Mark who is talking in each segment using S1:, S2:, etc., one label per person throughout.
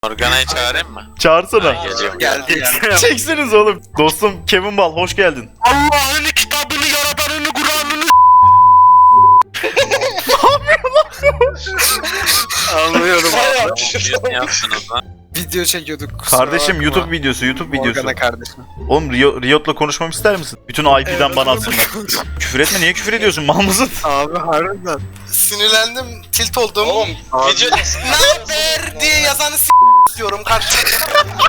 S1: Morgana'yı çağırayım mı?
S2: Çağırsana.
S1: Geliyorum.
S3: Geldi ya.
S2: Çeksiniz oğlum. Dostum Kevin Bal hoş geldin.
S3: Allah'ın kitabını yaratanını Kur'an'ını Anlıyorum.
S1: Ne yaptınız lan?
S3: Video çekiyorduk.
S2: Kardeşim YouTube videosu.
S3: Morgana kardeşim.
S2: Oğlum Riot'la konuşmamı ister misin? Bütün IP'den bana atsınlar. Küfür etme, niye küfür ediyorsun? Mal mısın?
S3: Abi harbiden.
S4: Sinirlendim, tilt oldum.
S1: Oğlum videodasın.
S4: Ne haber diye yazanı istiyorum kardeşim.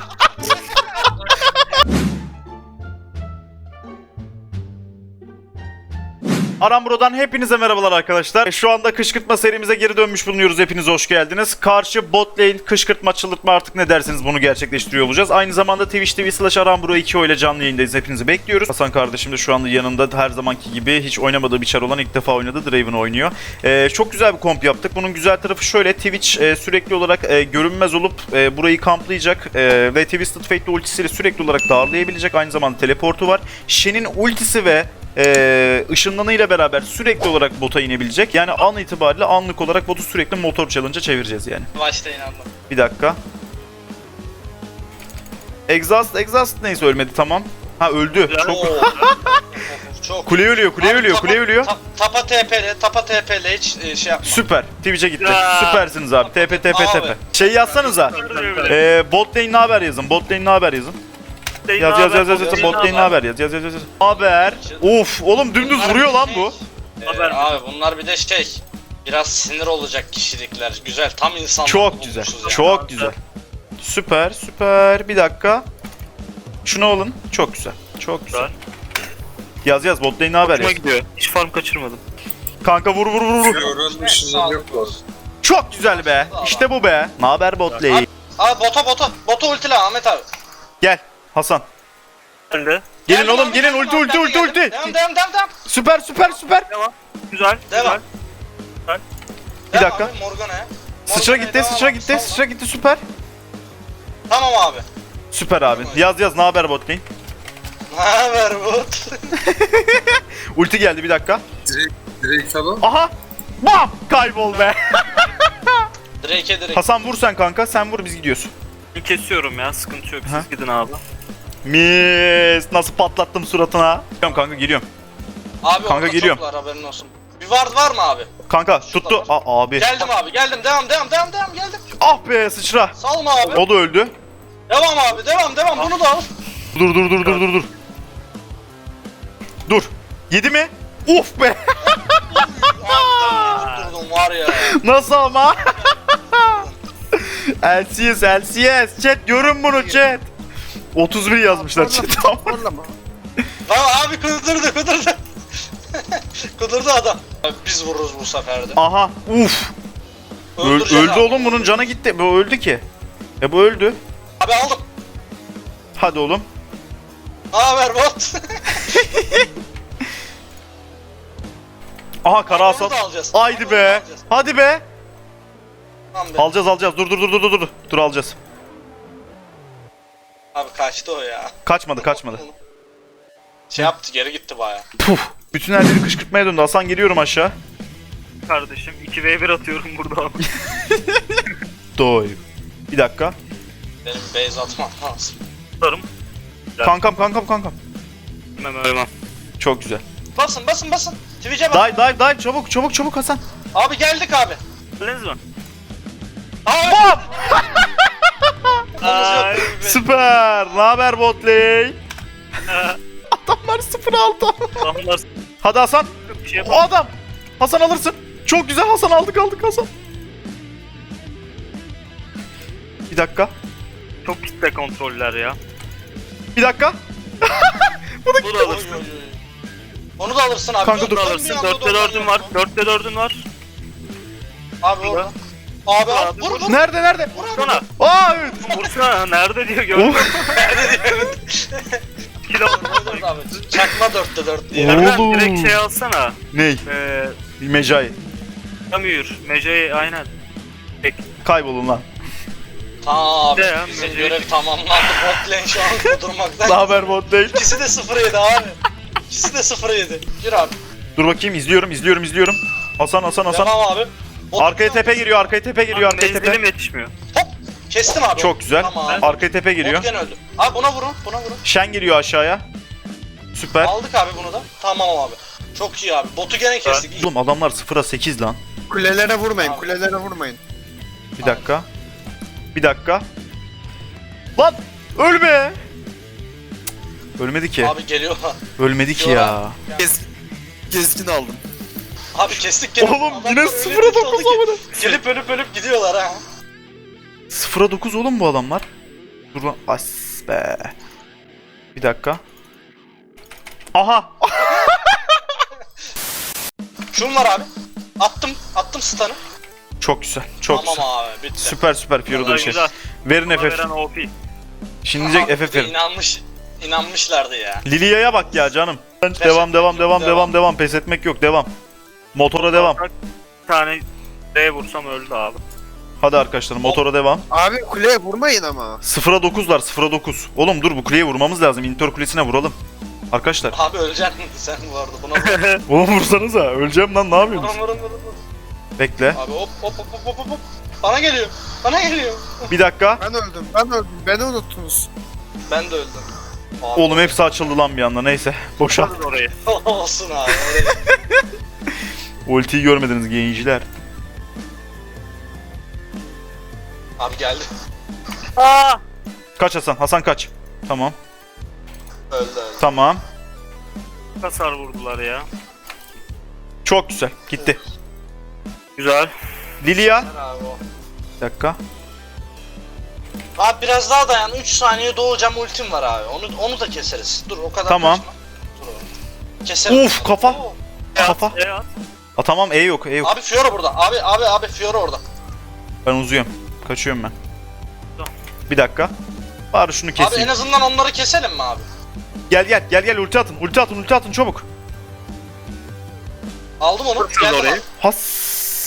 S2: Aramburo'dan hepinize merhabalar arkadaşlar. Şu anda kışkırtma serimize geri dönmüş bulunuyoruz. Hepiniz hoş geldiniz. Karşı bot lane kışkırtma, çıldırtma artık ne derseniz bunu gerçekleştiriyor olacağız. Aynı zamanda Twitch TV/Aramburo 2 ile canlı yayındayız. Hepinizi bekliyoruz. Hasan kardeşim de şu anda yanında, her zamanki gibi hiç oynamadığı bir çar olan, ilk defa oynadı. Draven oynuyor. Çok güzel bir komp yaptık. Bunun güzel tarafı şöyle: Twitch sürekli olarak görünmez olup burayı kamplayacak ve Twisted Fate'li ultisiyle sürekli olarak darlayabilecek. Aynı zamanda teleportu var. Shen'in ultisi ve ışınlanıyla beraber sürekli olarak bota inebilecek. Yani an itibariyle anlık olarak botu sürekli motor challenge'a çevireceğiz yani.
S1: Başta inandım.
S2: Bir dakika. Exhaust neyse ölmedi, tamam. Ha öldü.
S1: Çok.
S2: Kule ölüyor, kule
S1: Abi,
S2: ölüyor,
S1: tapa-
S2: kule ölüyor.
S1: Tapa TP'le hiç şey yapma.
S2: Süper. Twitch'e gitti.
S1: Ya.
S2: Süpersiniz abi. TP.
S1: Abi.
S2: Şey yazsanıza. Bot lane ne haber yazın. Bot lane ne haber yazın. Yaz. Bot lane ne haber yaz. Yaz. Haber. Of oğlum dümdüz vuruyor lan bu.
S1: Abi bunlar bir de biraz sinir olacak kişilikler. Güzel, tam insanlar.
S2: Çok güzel. Çok güzel. Süper. Bir dakika. Şunu alın. Çok güzel. Çok güzel. Yaz. Bot lane ne haber yaz.
S5: Gidiyor. Hiç farm kaçırmadım.
S2: Kanka vur. Çok güzel be. İşte bu be. Ne haber bot lane?
S1: Abi bota ultile Ahmet abi.
S2: Gel Hasan.
S5: Ben de.
S2: Gelin
S1: Geldim
S2: oğlum
S1: abi,
S2: gelin,
S1: geldim
S2: ulti.
S1: abi, geldim. Devam.
S2: Süper.
S5: Güzel.
S1: Devam.
S2: Bir dakika.
S1: Devam abi, Morgana'ya.
S2: Sıçra
S1: Morgana'ya
S2: gitti
S1: devam abi.
S2: süper.
S1: Tamam abi.
S2: Süper abi. Yaz ne haber bot lane?
S1: Ne haber bot?
S2: Ulti geldi, bir dakika.
S4: Direkt falan.
S2: Aha! Bam! Kaybol be.
S1: Direkt.
S2: Hasan vur sen kanka. Sen vur, biz gidiyoruz.
S5: Bir kesiyorum ya, sıkıntı yok.
S2: Ha?
S5: Siz gidin abi.
S2: Mis! Nasıl patlattım suratına. Geliyorum kanka, geliyorum.
S1: Abi
S2: Kanka
S1: orada
S2: geliyorum.
S1: çoklar, haberin olsun. Bir var mı abi?
S2: Kanka tuttu. Abi.
S1: Geldim abi, geldim. Devam, geldim.
S2: Ah be sıçra.
S1: Salma abi.
S2: O da öldü.
S1: Devam abi, devam. Bunu da al.
S2: Dur. Dur. Yedi mi? Uf be.
S1: Abi durdum var ya.
S2: Nasıl ama? LCS. Chat görün bunu chat. 31 yazmışlar chat. Tamam.
S1: Tamam abi, kudurdu. Kudurdu adam. Abi biz vururuz bu sefer de.
S2: Aha. Uf.
S1: Öldüreceğiz
S2: Öldü
S1: abi.
S2: oğlum, bunun canı gitti. Bu öldü ki. Bu öldü.
S1: Abi aldım.
S2: Hadi oğlum.
S1: Ne haber bot?
S2: Aha kara
S1: Onu
S2: asal.
S1: da alacağız.
S2: Haydi
S1: Onu da
S2: be.
S1: alacağız.
S2: Hadi be.
S1: Tamam be.
S2: Alacağız. Dur. Dur alacağız.
S1: Abi kaçtı o ya.
S2: Kaçmadı.
S1: Şey yaptı, geri gitti baya.
S2: Puf. Bütün her yeri kışkırtmaya döndü. Hasan geliyorum aşağı.
S5: Kardeşim 2v1 atıyorum burada abi.
S2: Doy. Bir dakika.
S1: Benim base atmam lazım.
S5: Tutarım.
S2: Kankam.
S5: Ölmem.
S2: Çok güzel.
S1: Basın. Twitch'e bas.
S2: Dive. Çabuk Hasan.
S1: Abi geldik abi.
S5: Öldünüz mü?
S1: Abi.
S2: Bam!
S5: Ay.
S2: Süper. Ne haber bot lane? Adamlar 0-6.
S5: Adamlar
S2: Hadi Hasan.
S5: bir şey
S2: O
S5: yapamaz.
S2: adam. Hasan alırsın. Çok güzel Hasan, aldık Hasan. Bir dakika.
S5: Çok kitle kontroller ya.
S2: Bir dakika.
S5: Bu da
S1: Oy,
S5: alırsın.
S1: oy, oy. Onu da alırsın abi.
S2: Kanka dur.
S5: Bu da alırsın. 4'te 4'ün var. 4'te 4'ün var.
S1: Abi orada. Abi al.
S5: Abi,
S1: Vur.
S2: Nerede?
S5: Vursana.
S2: Aa evet.
S5: Vursana. Nerede diyor gördün. Kilo.
S1: Vur abi. Çakma 4'te 4 diye.
S2: Oo.
S5: Nereden
S2: Oğlum.
S5: direkt şey alsana.
S2: Ney? Mecai.
S5: Tamür. Mece'yi aynen.
S2: Kaybolun lan.
S1: Tamam abi.
S5: Ya,
S1: Bizim
S5: Mecid.
S1: görev tamamlandı. Bot lane şu an kudurmaktan.
S2: Ne haber bot lane?
S1: İkisi de 0-7 abi. İkisi de 0-7. Yürü abi.
S2: Dur bakayım, izliyorum. Hasan.
S1: Devam abi. Bot
S2: Arkaya
S1: lane
S2: tepe giriyor, arkaya tepe.
S5: Menzilim yetişmiyor.
S1: Kestim abi.
S2: Çok güzel.
S1: Tamam.
S2: Arkaya tepe geliyor.
S1: Bot gene öldü. Abi buna vurun. Buna vurun.
S2: Şen geliyor aşağıya. Süper.
S1: Aldık abi bunu da. Tamam abi. Çok iyi abi. Botu gene kestik. İyi.
S2: Oğlum adamlar 0'a 8 lan.
S3: Kulelere vurmayın,
S1: Abi.
S3: kulelere vurmayın.
S2: Bir dakika. Bir dakika. Lan ölme. Cık, ölmedi ki.
S1: Abi geliyor.
S2: Ölmedi ki ya.
S3: Gezgin aldım.
S1: Abi kestik gene.
S2: Oğlum
S1: Adamlar
S2: yine
S1: öyle
S2: 0'a
S1: tilt
S2: 9
S1: oldu ki,
S2: amına.
S1: Gelip ölüp gidiyorlar ha.
S2: 0'a 9 oğlum bu adamlar. Dur lan. As be. Bir dakika. Aha.
S1: Şun var abi. Attım stun'ı.
S2: Çok güzel. Çok
S1: Tamam
S2: güzel.
S1: abi bitti.
S2: Süper süper Fiora da bir şey.
S5: Güzel.
S2: Verin
S5: Bana
S2: FF.
S5: veren OP.
S2: Şimdi diyecek
S1: Abi
S2: FF verin.
S1: İnanmışlardı ya.
S2: Lilia'ya bak ya canım. Devam. Pes etmek yok. Devam. Motora devam.
S5: Bir tane D vursam öldü abi.
S2: Hadi arkadaşlar motora devam.
S3: Abi kuleye vurmayın ama.
S2: 0'a 9'lar 0'a 9. Oğlum dur bu kuleye vurmamız lazım. İntör kulesine vuralım. Arkadaşlar.
S1: Abi öleceksin sen bu arada. Buna vur.
S2: Oğlum vursanıza. Öleceğim lan ne yapıyorsunuz?
S1: Vurun.
S2: Bekle.
S1: Abi hop. Bana geliyor.
S2: Bir dakika.
S3: Ben öldüm. Beni unuttunuz.
S1: Ben de öldüm. Abi.
S2: Oğlum hepsi açıldı lan bir anda. Neyse. Boşa.
S5: Alın orayı.
S1: Olsun abi.
S2: Ultiyi görmediniz gençler.
S1: Abi geldi.
S5: Aa!
S2: Kaç Hasan. Hasan kaç. Tamam.
S1: Öldü.
S2: Tamam.
S5: Hasar vurdular ya.
S2: Çok güzel. Gitti.
S5: Güzel.
S2: Lilia.
S1: Abi o.
S2: Bir dakika.
S1: Abi biraz daha dayan. 3 saniye doğacağım ultim var abi. Onu da keseriz. Dur o kadar
S2: Tamam.
S1: kaçma. Dur oğlum. Keserim.
S2: Uf, kafa.
S1: Oo.
S2: Kafa.
S5: at.
S2: Aa, tamam E yok. E yok.
S1: Abi Fiora burada. Abi Fiora orada.
S2: Ben uzuyorum. Kaçıyorum ben.
S5: Tamam.
S2: Bir dakika. Bari şunu
S1: Abi
S2: keseyim.
S1: en azından onları keselim mi abi?
S2: Gel ulti atın çabuk.
S1: Aldım onu.
S5: Vursun
S1: Geldim
S5: orayı.
S1: abi.
S2: Has.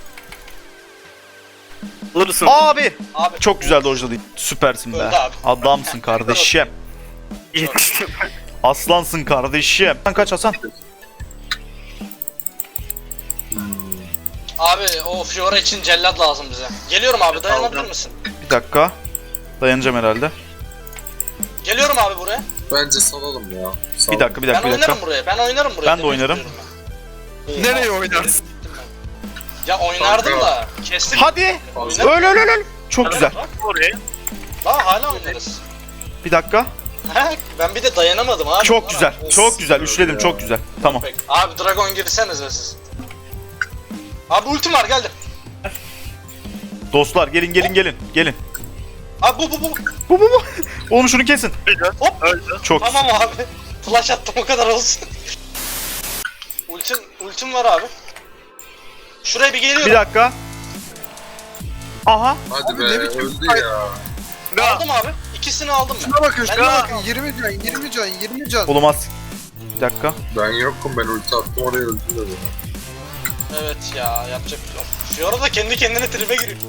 S5: Alırsın.
S2: Abi.
S1: Abi.
S2: Çok güzel dojladı. Süpersin be.
S1: Öldü abi.
S2: Adamsın kardeşim.
S5: Yetiştim.
S2: Aslansın kardeşim. Sen kaç Hasan?
S1: Abi o Fiora için cellat lazım bize. Geliyorum abi dayanabilir
S5: Aldım.
S1: misin?
S2: Bir dakika. Dayanacağım herhalde.
S1: Geliyorum abi buraya.
S6: Bence salalım ya.
S2: Bir dakika.
S1: Ben oynarım buraya. Ben oynarım buraya.
S2: Ben de
S1: Demek
S2: oynarım.
S1: istiyorum ben.
S3: Nereye oynarsın?
S1: Ya oynardım da kestim.
S2: Hadi.
S1: Oynarım.
S2: Öl. Çok güzel.
S5: Oraya.
S1: Daha hala oynarız.
S2: Bir dakika.
S1: Ben bir de dayanamadım abi.
S2: Çok güzel.
S1: Of.
S2: Çok güzel. Üçledim. Çok güzel. Tamam.
S1: Peki. Abi Dragon girsenize siz. Abi ultim var geldi.
S2: Dostlar gelin.
S1: Abi bu.
S2: Bu. Oğlum şunu kesin.
S5: Öldü.
S1: Hop.
S5: Öldü.
S2: Çok
S1: Tamam abi. Flash attım o kadar olsun. ultim var abi. Şuraya bir geliyorum.
S2: Bir dakika. Aha.
S6: Hadi
S3: Abi
S6: be
S3: ne biçim
S6: öldü
S3: fight?
S6: ya.
S1: Aldım abi. İkisini aldım ben.
S3: Şuna bakın,
S1: Ben
S3: şuna
S1: de-
S3: bakın. 20 can.
S2: Oğlum az. Bir dakika.
S6: Ben yokum, ben ulti attım oraya öldü dedi.
S1: Evet ya yapacak bir şey yok. Fiora da kendi kendine tribe giriyor.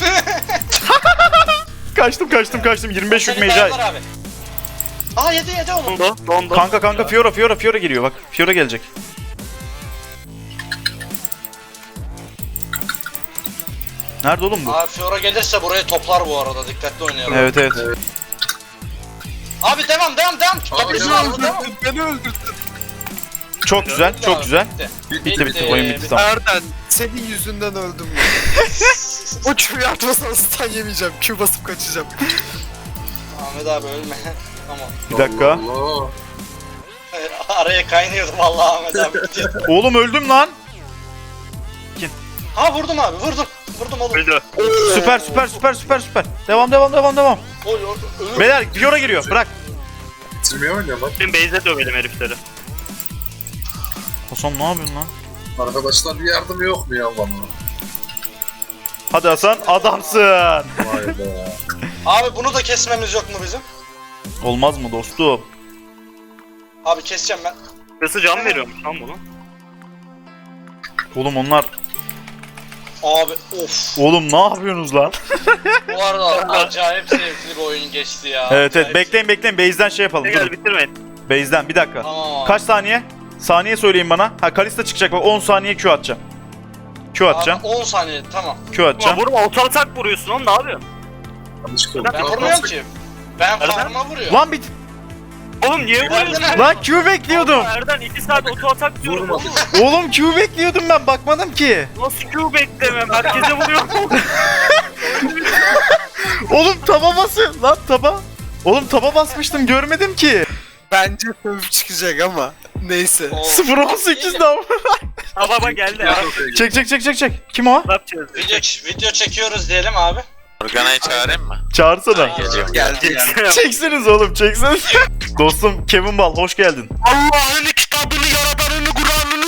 S2: Kaçtım. 25 yük
S1: Seni
S2: mecai.
S1: dayanlar abi. Aa yedi onu.
S5: Dondu.
S2: Kanka Fiora geliyor bak. Fiora gelecek. Nerede oğlum bu?
S1: Abi Fiora gelirse burayı toplar bu arada. Dikkatli oynayalım.
S2: Evet.
S1: Abi devam. W'su var mı? Devam.
S3: Beni öldürdün.
S2: Çok güzel. Çok güzel.
S1: Bitti.
S2: Bitti. Oyun bitti tamam.
S3: Erden, senin yüzünden öldüm ben. O Q'yu atmasan stun yemeyeceğim. Q basıp kaçacağım.
S1: Ahmet abi ölme. Tamam.
S2: Bir dakika.
S6: Allah.
S1: Araya kaynıyordum vallahi Ahmet abi.
S2: Oğlum öldüm lan.
S1: Ha vurdum abi vurdum. Vurdum oğlum.
S5: Öldü.
S2: Süper. Devam.
S1: Oy, ölür.
S2: Beyler Fiora giriyor. Bırak.
S6: Bitirmeye oynuyor lan.
S5: Şimdi base'e dövelim herifleri.
S2: Hasan ne yapıyorsun lan?
S6: Arkadaşlar bir yardım yok mu ya bana?
S2: Hadi Hasan adamsın.
S6: Vay be.
S1: Abi bunu da kesmemiz yok mu bizim?
S2: Olmaz mı dostum?
S1: Abi keseceğim ben.
S5: Kısı can veriyormuş lan bunu.
S2: Oğlum onlar.
S1: Abi of.
S2: Oğlum ne yapıyorsunuz lan?
S1: Bu arada acayip zevkli bir oyun geçti ya.
S2: Evet.
S1: Acayip.
S2: Bekleyin. Base'den şey yapalım.
S5: Gel
S2: Durun.
S5: bitirmeyin.
S2: Base'den bir dakika.
S1: Tamam abi.
S2: Kaç saniye? Saniye söyleyin bana. Ha Kalista çıkacak bak 10 saniye Q atacağım. Q atacağım.
S1: Abi 10 saniye tamam.
S2: Q
S5: Ama
S2: atacağım.
S5: vurma oto atak vuruyorsun oğlum ne yapıyorsun?
S6: Yanlışlıkla
S1: Ben
S6: ulti
S1: vurmuyorum
S6: atmazsak-
S1: ki. Ben farma vuruyorum.
S2: Lan bir...
S5: Oğlum niye vuruyorsun?
S2: Lan Q bekliyordum.
S5: Erden 2 saat oto atak diyorum
S6: Vurma.
S5: oğlum.
S2: Oğlum Q bekliyordum ben bakmadım ki.
S5: Nasıl Q beklemem? Herkese vuruyorum.
S2: Oğlum taba bası. Lan taba. Oğlum taba basmıştım görmedim ki.
S3: Bence sövüp çıkacak ama. Neyse.
S1: Oo.
S2: 0.18 daha.
S5: Ha baba geldi ya.
S2: Çek. Kim o?
S5: Ne yapacağız?
S1: Video çekiyoruz diyelim abi.
S7: Organa'yı çağırayım mı?
S2: Çağırsana.
S7: Geliyorum.
S3: Geldi.
S2: Çeksiniz oğlum çeksiniz. Dostum Kevin Bal hoş geldin.
S3: Allah'ın kitabını, yaradanını, Kur'an'ını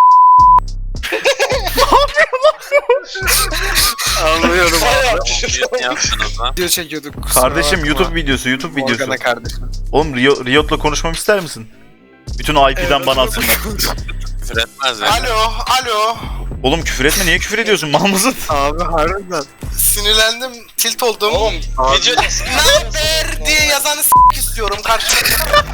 S5: Anlıyorum.
S7: Ne yaptınız lan?
S3: video çekiyorduk. kusura
S2: Kardeşim
S3: bakma.
S2: YouTube videosu.
S3: Morgana kardeşim.
S2: Oğlum Riot'la konuşmamı ister misin? Bütün IP'den bana atsınlar.
S7: Küfür etmez ya.
S4: Alo.
S2: Oğlum küfür etme niye küfür ediyorsun mal mısın?
S3: Abi harbiden.
S4: Sinirlendim, tilt oldum.
S1: Oğlum videoda
S4: Ne haber diye yazanı istiyorum karşımda.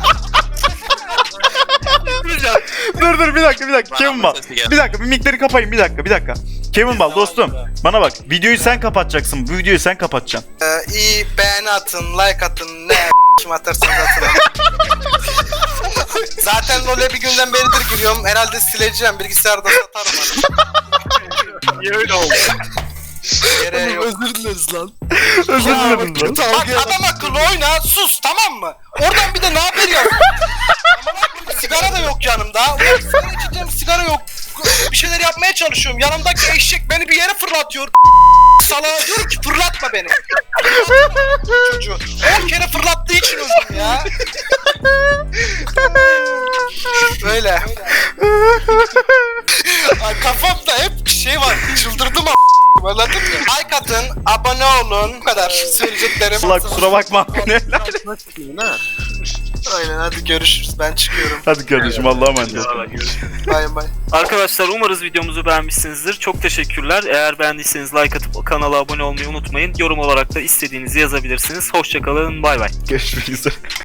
S2: dur bir dakika
S7: Bana
S2: Kevin
S7: mı
S2: Bal.
S7: sesi geldi?
S2: Bir dakika bir mikleri kapayın bir dakika. Kevin Bal dostum bana bak videoyu sen kapatacaksın bu videoyu sen kapatacaksın.
S4: İyi beğeni atın, like atın, ne kim atarsanız atın. Zaten LoL'e bir günden beridir giriyorum. Herhalde sileceğim, bilgisayarda satarım hani.
S5: Niye öyle oldu?
S4: Gereği yok.
S3: Özür dileriz lan.
S2: Özür dilerim lan.
S4: Bak adam akıllı oyna, sus tamam mı? Oradan bir de ne haber ya? Sigara da yok yanımda. Ulan sigara içeceğim, sigara yok. Bir şeyler yapmaya çalışıyorum. Yanımdaki eşek beni bir yere fırlatıyor. Salağa diyorum ki fırlatma beni. Çocuğu 10 kere fırlattığı için öldüm ya. Böyle. Ay, kafamda hep şey var. Çıldırdım anladın mı? Like atın, abone olun. Bu kadar söyleyeceklerim.
S2: Allah kusura bakma.
S4: Aynen hadi görüşürüz. Ben çıkıyorum.
S2: Hadi kardeşim Allah'a emanet ol.
S4: Bay bay.
S5: Arkadaşlar umarız videomuzu beğenmişsinizdir. Çok teşekkürler. Eğer beğendiyseniz like atıp kanala abone olmayı unutmayın. Yorum olarak da istediğinizi yazabilirsiniz. Hoşçakalın. Bay bay.
S2: Görüşmek üzere.